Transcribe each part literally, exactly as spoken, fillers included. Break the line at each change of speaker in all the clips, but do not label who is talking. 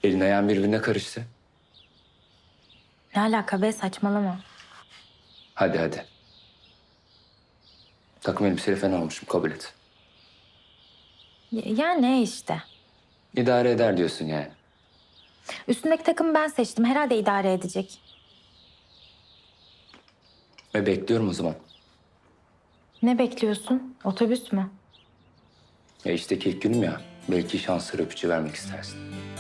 Elin ayağın birbirine karıştı.
Ne alaka be, saçmalama.
Hadi hadi. Takım elbiseyle fena olmuşum, kabul et.
Ya, ya ne işte.
İdare eder diyorsun yani.
Üstündeki takımı ben seçtim. Herhalde idare edecek.
Ve bekliyorum o zaman.
Ne bekliyorsun? Otobüs mü?
E işte ilk günüm ya. Belki şansları öpücü vermek istersin.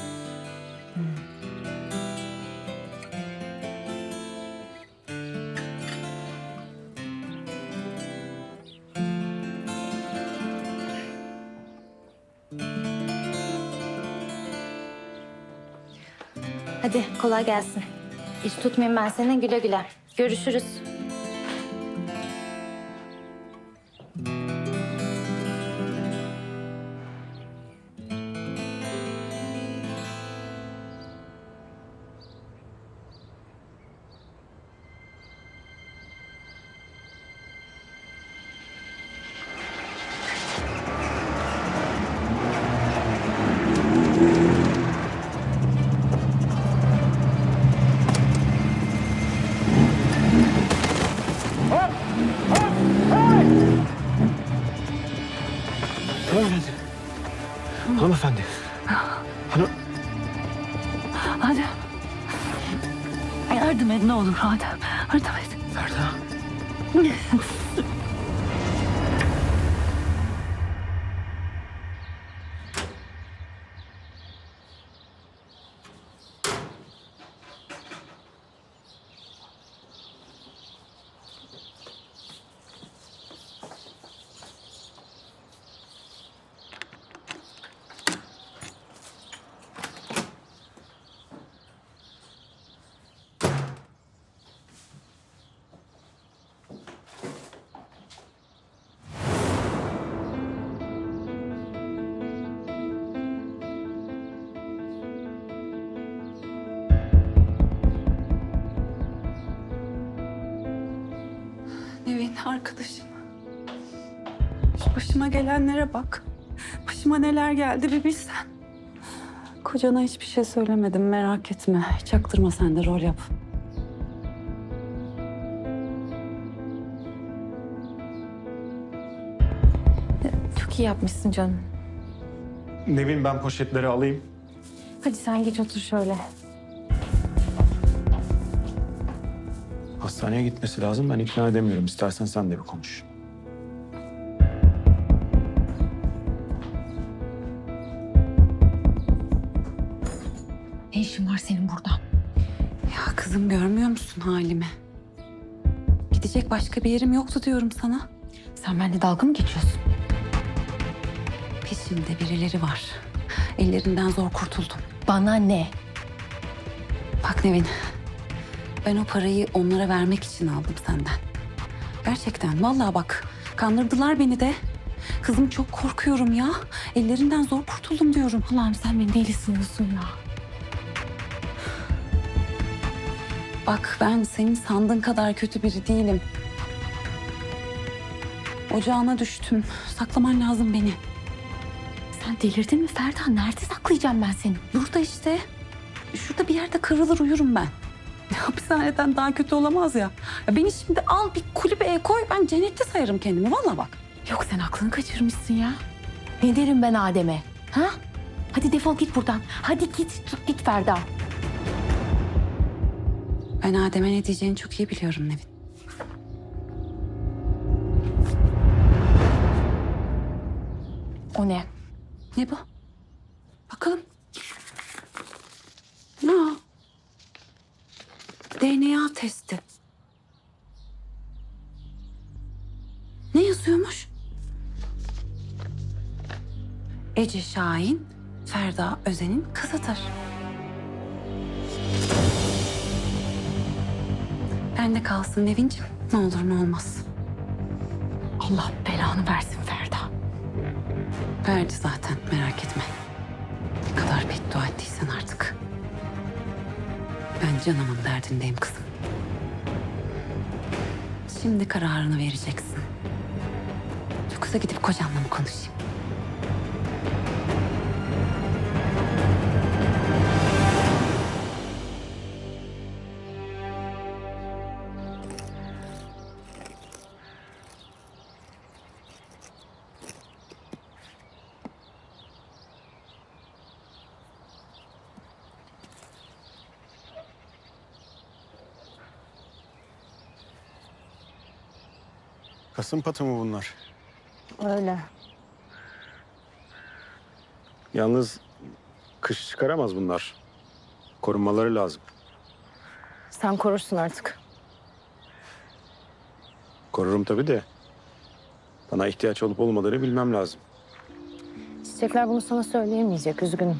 Hadi kolay gelsin. İş tutmayayım ben seni, güle güle. Görüşürüz.
Hanımefendi. Hanımefendi. Hanım...
Adem. Yardım et ne olur Adem. Yardım et.
Ferda.
Nevin arkadaşım. Şu başıma gelenlere bak. Başıma neler geldi bir bilsen. Kocana hiçbir şey söylemedim, merak etme. Çaktırma sen de, rol yap.
Çok iyi yapmışsın canım.
Nevin, ben poşetleri alayım.
Hadi sen geç otur şöyle.
Hastaneye gitmesi lazım. Ben ikna edemiyorum. İstersen sen de bir konuş.
Ne işin var senin burada?
Ya kızım görmüyor musun halimi? Gidecek başka bir yerim yoktu diyorum sana.
Sen benimle dalga mı geçiyorsun?
Peşimde birileri var. Ellerinden zor kurtuldum.
Bana ne?
Bak Nevin, ben o parayı onlara vermek için aldım senden. Gerçekten, vallahi bak, kandırdılar beni de. Kızım çok korkuyorum ya. Ellerinden zor kurtuldum diyorum.
Allah'ım sen beni deli sanıyorsun ya.
Bak ben senin sandığın kadar kötü biri değilim. Ocağına düştüm. Saklaman lazım beni.
Sen delirdin mi Ferda? Nerede saklayacağım ben seni?
Burada işte. Şurada bir yerde kırılır uyurum ben. Hapishaneden daha kötü olamaz ya. Ya beni şimdi al bir kulübeye koy. Ben cennette sayarım kendimi. Vallahi bak.
Yok sen aklını kaçırmışsın ya. Ne derim ben Adem'e? Ha? Hadi defol git buradan. Hadi git, tut git Ferda.
Ben Adem'e ne diyeceğini çok iyi biliyorum Nevin.
O ne?
Ne bu? Bakalım. Ne o? D N A testi. Ne yazıyormuş? Ece Şahin, Ferda Özen'in kızıdır. Bende kalsın Nevin'ciğim. Ne olur ne olmaz.
Allah belanı versin Ferda.
Verdi zaten, merak etme. Ne kadar beddua ettiysen artık. Ben canımın derdindeyim kızım. Şimdi kararını vereceksin. Yoksa gidip kocanla mı konuşayım?
Kasım patı mı bunlar?
Öyle.
Yalnız kış çıkaramaz bunlar. Korunmaları lazım.
Sen korursun artık.
Korurum tabii de. Bana ihtiyaç olup olmadığını bilmem lazım.
Çiçekler bunu sana söyleyemeyecek. Üzgünüm.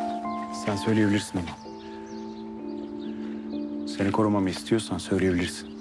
Sen söyleyebilirsin ama. Seni korumamı istiyorsan söyleyebilirsin.